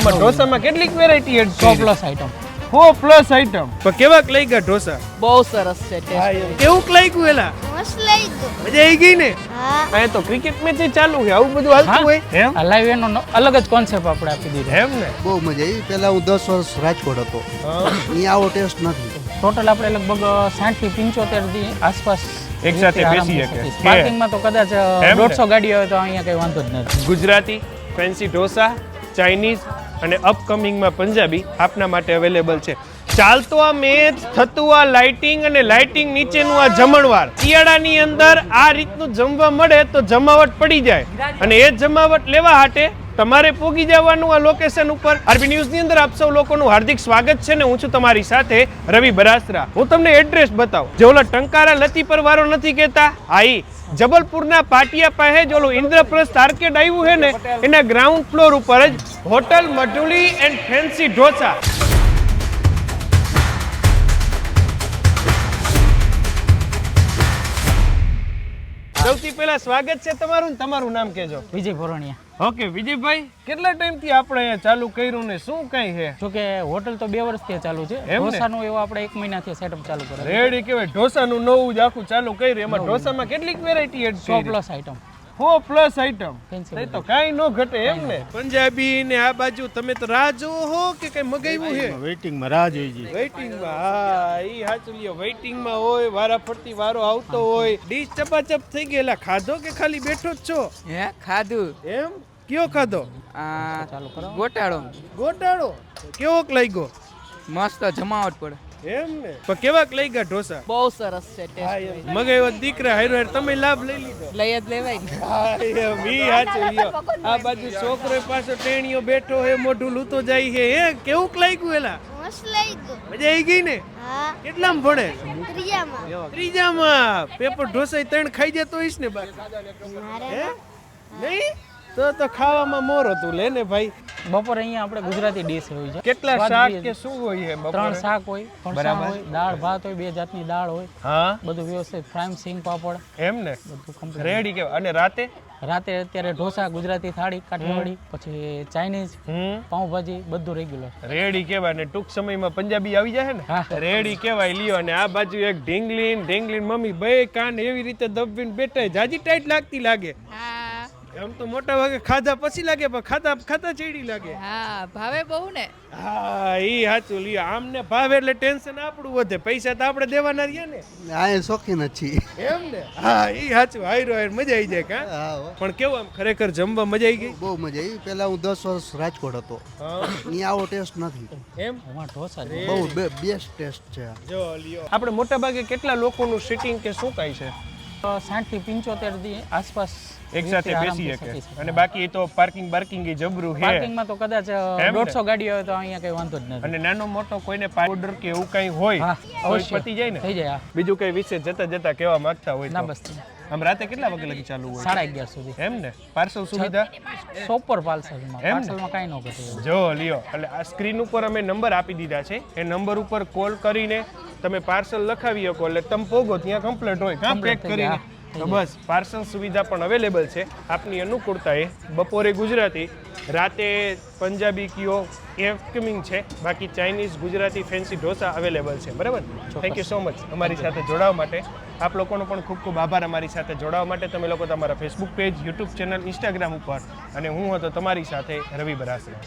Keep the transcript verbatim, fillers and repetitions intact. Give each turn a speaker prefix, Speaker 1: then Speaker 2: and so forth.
Speaker 1: આમાં ઢોસામાં કેટલીક વેરાયટી એડ
Speaker 2: સો પ્લસ આઈટમ
Speaker 1: સો પ્લસ આઈટમ તો કેવાક લઈ ગયા ઢોસા
Speaker 2: બહુ સરસ છે ટેસ્ટ
Speaker 1: કેવુંક લાગ્યું એલા
Speaker 3: મસ્ત લઈ ગયો
Speaker 1: મજા આવી ગઈ ને
Speaker 3: હા
Speaker 1: આ તો ક્રિકેટ મેચ ચાલુ છે આવું બધું હાલતું હોય એમ
Speaker 2: આ લાઈવ એનો અલગ જ કોન્સેપ્ટ આપણે આપી દીધો
Speaker 1: એમ ને
Speaker 4: બહુ મજા આવી પહેલા હું દસ વર્ષ રાજકોટ હતો અહીંયા આવો ટેસ્ટ નથી
Speaker 2: ટોટલ આપણે લગભગ સાઠ થી પંચોતેર થી આસપાસ
Speaker 1: એક સાથે બેસી શકે
Speaker 2: પાર્કિંગમાં તો કદાચ દોઢસો ગાડી હોય તો અહીંયા કઈ વાંધો જ નથી
Speaker 1: ગુજરાતી ફેન્સી ઢોસા ચાઇનીઝ અને અપકમિંગમાં પંજાબી આપના માટે અવેલેબલ છે ચાલતો આ મેચ થતું આ લાઇટિંગ અને લાઇટિંગ નીચેનું આ જમણવાર શિયાળાની અંદર આ રીતનું જમવા મળે તો જમાવટ પડી જાય અને એ જમાવટ લેવા હાટે તમારે પોગી જવાનું આ લોકેશન ઉપર આરબી ન્યૂઝ ની અંદર આપ સૌ લોકોનું હાર્દિક સ્વાગત છે ને હું છું તમારી સાથે રવિ બરાસરા હું તમને એડ્રેસ બતાવું જે ઓલા ટંકારા લતીપર વાળો નથી કહેતા આઈ જબલપુરના પાટિયા પાસે જ ઓલું ઇન્દ્રપ્રસ્થ આર્કેડ આવ્યું છે ને એના ગ્રાઉન્ડ ફ્લોર ઉપર જ hotel Madhuli and fancy dosa સૌથી પહેલા સ્વાગત છે તમારું ને તમારું નામ કહેજો
Speaker 2: વિજય ભોરણિયા
Speaker 1: ઓકે વિજયભાઈ કેટલા ટાઈમ થી આપણે અહીંયા ચાલુ કર્યું ને શું કઈ છે
Speaker 2: જો કે હોટલ તો બે વર્ષથી ચાલુ છે ઢોસાનું એવું આપણે એક મહિનાથી સેટઅપ ચાલુ કરે
Speaker 1: રેડી કહેવાય ઢોસાનું નવું જ આખું ચાલુ કર્યું એમાં ઢોસામાં કેટલીક વેરાયટી એડ
Speaker 2: સો પ્લસ આઈટમ
Speaker 1: સો પ્લસ આઈટમ
Speaker 2: Fancy
Speaker 1: તો કાઈ નો ઘટે એમ ને પંજાબી ને આ બાજુ તમે તો રાહ જોવો હો કે કઈ મગાવ્યું છે
Speaker 4: વેઇટિંગ માં રાહ જોઈ જઈ
Speaker 1: વેઇટિંગ માં હા ઈ સાચું લ્યો વેઇટિંગ માં હોય વારા ફરતી વારો આવતો હોય ડીશ ચપાચપ થઈ ગયેલા ખાધો કે ખાલી બેઠો જ છો
Speaker 5: હે ખાધું
Speaker 1: એમ કયો ખાધો
Speaker 5: આ
Speaker 2: ચાલુ કરો
Speaker 5: ગોટાળો
Speaker 1: ગોટાળો કેવોક લાગ્યો
Speaker 5: મસ્ત જમાવટ પડે
Speaker 1: એમ ને પણ કેવાક લઈ ગયા ઢોસા
Speaker 2: બહુ સરસ છે ટેસ્ટ
Speaker 1: મગાવ્યો દીકરા હારો હાર તમે લાભ લઈ લીધો
Speaker 2: લઈ જ લેવાય ને
Speaker 1: હા એમ ઈ સાચું લ્યો આ બાજુ છોકરો પાછો ટેણીઓ બેઠો હે મોઢું લૂતો જાય છે હે કેવુંક લાગ્યું એલા
Speaker 3: મસ્ત લઈ ગયો
Speaker 1: મજા આવી ગઈ ને
Speaker 3: હા
Speaker 1: કેટલામ ભણે
Speaker 3: ત્રીજામાં
Speaker 1: ત્રીજામાં પેપર ઢોસા ત્રણ ખાઈ જતો હોઈશ ને બાકી
Speaker 3: મારે
Speaker 1: હે નહીં તો તો ખાવામાં મોર હતું લે ને ભાઈ
Speaker 2: બપોરે અહીંયા આપણે ગુજરાતી ડીશ હોય છે
Speaker 1: કેટલા
Speaker 2: સ્વાદ
Speaker 1: શાક
Speaker 2: બી
Speaker 1: કે શું હોય છે
Speaker 2: ત્રણ શાક હોય ફરસાણ
Speaker 1: બરાબર.
Speaker 2: હોય દાળ ભાત હોય બે જાતની દાળ હોય
Speaker 1: હા
Speaker 2: બધું વ્યવસ્થિત ફ્રાઈમ સિંગ પાપડ
Speaker 1: એમ ને
Speaker 2: બધું કમ્પ્લીટ
Speaker 1: રેડી કેવા અને રાતે
Speaker 2: રાતે અત્યારે ઢોસા ગુજરાતી થાળી કાઠિયાવાડી પછી ચાઇનીઝ
Speaker 1: હમ
Speaker 2: પાઉંભાજી બધું રેગ્યુલર
Speaker 1: રેડી કેવાય ને ટૂંક સમયમાં પંજાબી આવી જાય ને
Speaker 2: હા.
Speaker 1: રેડી કેવાય લ્યો અને આ બાજુ એક ઢીંગલીન ઢીંગલીન મમ્મી બે કાન એવી રીતે દબવીને બેઠા જાજી ટાઈટ લાગતી લાગે એમ તો મોટા ભાગે ખાધા પછી લાગે પણ ખાધા ખાતા ચેડી લાગે
Speaker 6: હા ભાવે બહુ ને
Speaker 1: હા ઈ સાચું લ્યો આમને ભાવે એટલે ટેન્શન આપણું વધે પૈસા તો આપણે દેવાના રહ્યા ને
Speaker 4: આ શોખીન જ છીએ
Speaker 1: એમ ને હા ઈ સાચું હાયરો હાયર મજા આવી જાય કા
Speaker 4: હા હો.
Speaker 1: પણ કેવું આમ ખરેખર જમવા મજા આવી ગઈ
Speaker 4: બહુ મજા આવી પહેલા હું દસ વર્ષ રાજકોટ હતો
Speaker 1: હા
Speaker 4: અહીંયા આવો ટેસ્ટ નથી
Speaker 1: એમ
Speaker 2: એમાં ઢોસા જ.
Speaker 4: બહુ બેસ્ટ ટેસ્ટ છે આ.
Speaker 1: જો લ્યો આપણે મોટા ભાગે કેટલા લોકોનું સિટિંગ કે શું કાંઈ છે
Speaker 2: તો સાઠ થી પંચોતેર થી આસપાસ
Speaker 1: એક સાથે બેસી શકે અને બાકી તો પાર્કિંગ બાર્કિંગ એ જબરું છે
Speaker 2: પાર્કિંગમાં તો કદાચ
Speaker 1: ને?
Speaker 2: દોઢસો ગાડી હોય તો અહીંયા કઈ વાંધો જ નથી
Speaker 1: અને નાનો મોટો કોઈને ઓર્ડર કે એવું કંઈ હોય
Speaker 2: હા
Speaker 1: તો
Speaker 2: અવશ્ય
Speaker 1: પતી જાય ને
Speaker 2: થઈ જાય હા.
Speaker 1: બીજું કઈ વિશે જતા જતા કહેવા માંગતા હોય
Speaker 2: ના
Speaker 1: તો
Speaker 2: બસ
Speaker 1: આમ રાતે કેટલા વાગે લગી ચાલુ હોય
Speaker 2: સાડા અગિયાર સુધી
Speaker 1: એમ ને પાર્સલ સુવિધા
Speaker 2: સોપર પાર્સલમાં
Speaker 1: એમ ને?
Speaker 2: પાર્સલમાં કાંઈ ન ઘટે
Speaker 1: જો લ્યો એટલે આ સ્ક્રીન ઉપર અમે નંબર આપી દીધા છે એ નંબર ઉપર કોલ કરીને તમે પાર્સલ લખાવી શકો એટલે તમે પોગો ત્યાં કમ્પ્લીટ હોય કાં પેક
Speaker 2: Complete થઈ જાય,
Speaker 1: કરીને તો બસ પાર્સલ સુવિધા પણ અવેલેબલ છે આપની અનુકૂળતાએ બપોરે ગુજરાતી રાતે પંજાબી કયો એ કમિંગ છે બાકી Chinese Gujarati fancy dosa available છે બરાબર થેન્ક યુ સો મચ અમારી સાથે જોડાવા માટે આપ લોકોનો પણ ખૂબ ખૂબ આભાર અમારી સાથે જોડાવા માટે તમે લોકો તમારા Facebook page YouTube channel Instagram ઉપર અને હું હતો તમારી સાથે રવિ બરાસરા